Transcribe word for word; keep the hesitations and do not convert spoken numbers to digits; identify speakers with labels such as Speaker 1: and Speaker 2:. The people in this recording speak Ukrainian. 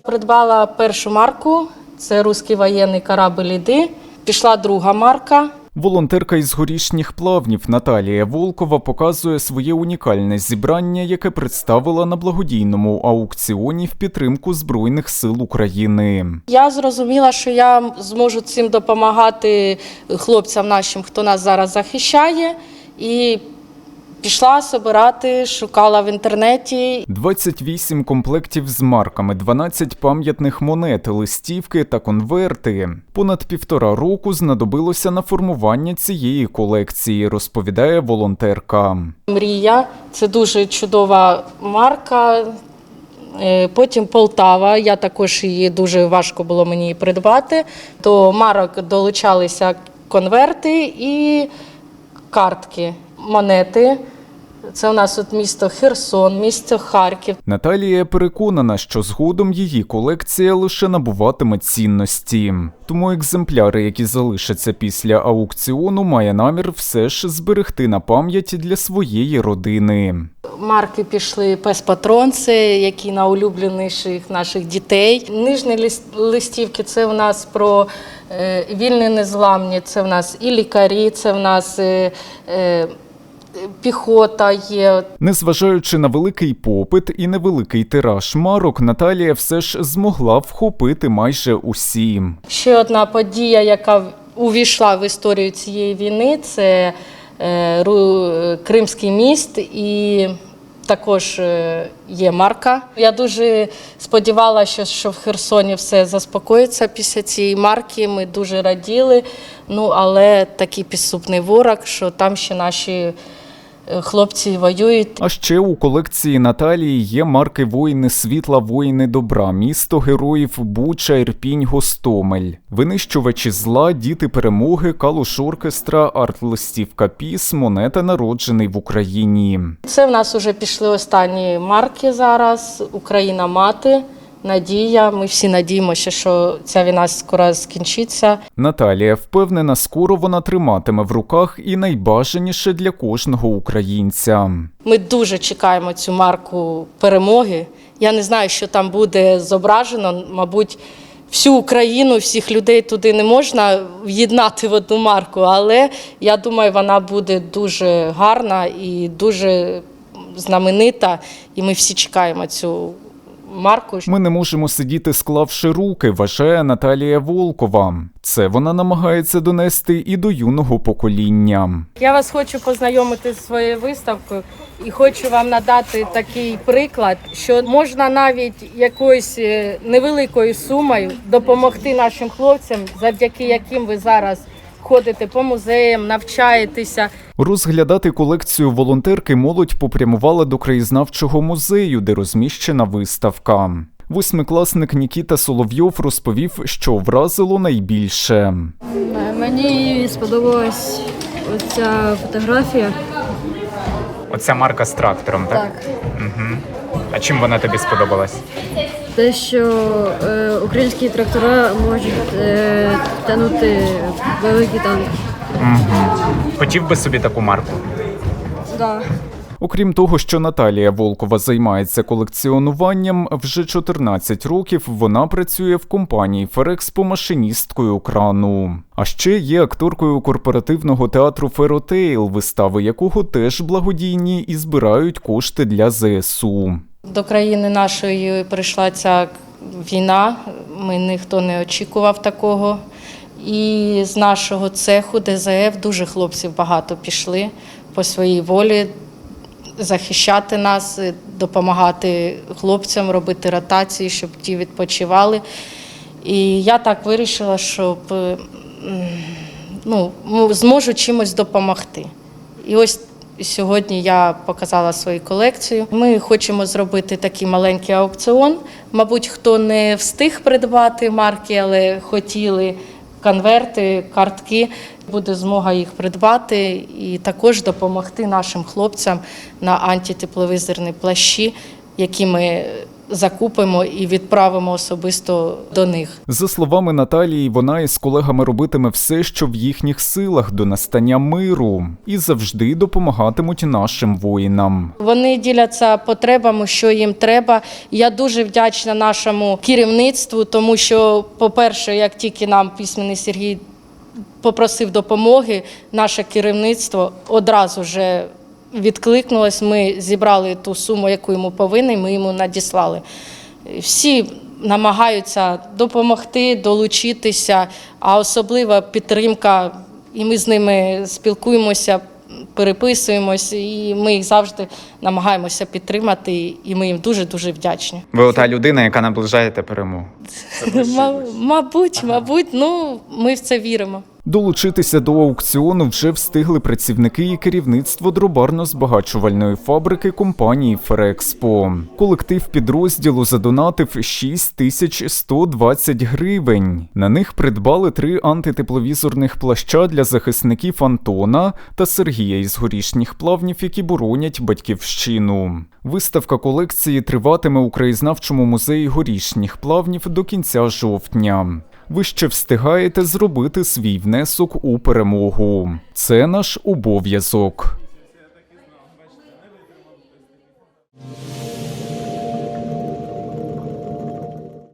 Speaker 1: Придбала першу марку, це «Руський воєнний корабль Іди». Пішла друга марка.
Speaker 2: Волонтерка із Горішніх Плавнів Наталія Волкова показує своє унікальне зібрання, яке представила на благодійному аукціоні в підтримку Збройних сил України.
Speaker 1: Я зрозуміла, що я зможу цим допомагати хлопцям нашим, хто нас зараз захищає, і пішла збирати, шукала в інтернеті.
Speaker 2: двадцять вісім комплектів з марками, дванадцять пам'ятних монет, листівки та конверти. Понад півтора року знадобилося на формування цієї колекції, розповідає волонтерка.
Speaker 1: Мрія – це дуже чудова марка. Потім Полтава, я також її, дуже важко було мені її придбати. До марок долучалися конверти і картки, монети. Це у нас от місто Херсон, місто Харків.
Speaker 2: Наталія переконана, що згодом її колекція лише набуватиме цінності. Тому екземпляри, які залишаться після аукціону, має намір все ж зберегти на пам'ять для своєї родини.
Speaker 1: Марки пішли «Пес-патрон», це які найулюбленіших наших дітей. Нижні листівки – це у нас про е, вільні незламні, це в нас і лікарі, це в нас е, е, піхота є.
Speaker 2: Незважаючи на великий попит і невеликий тираж марок, Наталія все ж змогла вхопити майже усі.
Speaker 1: Ще одна подія, яка увійшла в історію цієї війни, це е, Кримський міст, і також є марка. Я дуже сподівалася, що в Херсоні все заспокоїться після цієї марки. Ми дуже раділи, ну, але такий підступний ворог, що там ще наші хлопці воюють.
Speaker 2: А ще у колекції Наталії є марки «Воїни світла», «Воїни добра», «Місто героїв», «Буча», «Ірпінь», «Гостомель», «Винищувачі зла», «Діти перемоги», «Калуш-оркестра», «Арт-листівка ПІС», «Монета народжений в Україні».
Speaker 1: Це в нас вже пішли останні марки зараз. «Україна-мати», «Надія». Ми всі надіємося, що ця війна скоро скінчиться.
Speaker 2: Наталія впевнена, скоро вона триматиме в руках і найбажаніше для кожного українця.
Speaker 1: Ми дуже чекаємо цю марку перемоги. Я не знаю, що там буде зображено. Мабуть, всю Україну, всіх людей туди не можна в'єднати в одну марку, але я думаю, вона буде дуже гарна і дуже знаменита, і ми всі чекаємо цю марку.
Speaker 2: Ми не можемо сидіти, склавши руки, вважає Наталія Волкова. Це вона намагається донести і до юного покоління.
Speaker 1: Я вас хочу познайомити з своєю виставкою і хочу вам надати такий приклад, що можна навіть якоюсь невеликою сумою допомогти нашим хлопцям, завдяки яким ви зараз ходите по музеям, навчаєтеся.
Speaker 2: Розглядати колекцію волонтерки молодь попрямувала до краєзнавчого музею, де розміщена виставка. Восьмикласник Нікіта Соловйов розповів, що вразило найбільше.
Speaker 3: Мені сподобалась оця фотографія.
Speaker 2: Оця марка з трактором, так?
Speaker 3: Так.
Speaker 2: Угу. А чим вона тобі сподобалась?
Speaker 3: Те, що е, українські трактора можуть е, тягнути великий танк.
Speaker 2: Угу. Хотів би собі таку марку?
Speaker 3: Да.
Speaker 2: Окрім того, що Наталія Волкова займається колекціонуванням, вже чотирнадцять років вона працює в компанії «Ферекспо» машиністкою крану. А ще є акторкою корпоративного театру «Феротейл», вистави якого теж благодійні і збирають кошти для зе ес у.
Speaker 1: До країни нашої прийшла ця війна, ми ніхто не очікував такого. І з нашого цеху де зе еф дуже хлопців багато пішли по своїй волі захищати нас, допомагати хлопцям, робити ротації, щоб ті відпочивали. І я так вирішила, щоб ну, зможу чимось допомогти. І ось сьогодні я показала свою колекцію. Ми хочемо зробити такий маленький аукціон. Мабуть, хто не встиг придбати марки, але хотіли конверти, картки, буде змога їх придбати і також допомогти нашим хлопцям на антитепловізорні плащі, які ми закупимо і відправимо особисто до них.
Speaker 2: За словами Наталії, вона із колегами робитиме все, що в їхніх силах до настання миру, і завжди допомагатимуть нашим воїнам.
Speaker 1: Вони діляться потребами, що їм треба. Я дуже вдячна нашому керівництву, тому що, по-перше, як тільки нам письменний Сергій попросив допомоги, наше керівництво одразу вже відкликнулось. Ми зібрали ту суму, яку йому повинні, ми йому надіслали. Всі намагаються допомогти, долучитися, а особлива підтримка, і ми з ними спілкуємося, переписуємось, і ми їх завжди намагаємося підтримати, і ми їм дуже-дуже вдячні.
Speaker 4: Ви ота людина, яка наближаєте перемогу.
Speaker 1: Мабуть, мабуть, ну, ми в це віримо.
Speaker 2: Долучитися до аукціону вже встигли працівники і керівництво дробарно-збагачувальної фабрики компанії «Ферекспо». Колектив підрозділу задонатив шість тисяч сто двадцять гривень. На них придбали три антитепловізорних плаща для захисників Антона та Сергія із Горішніх Плавнів, які боронять батьківщину. Виставка колекції триватиме у краєзнавчому музеї Горішніх Плавнів до кінця жовтня. Ви ще встигаєте зробити свій внесок у перемогу. Це наш обов'язок.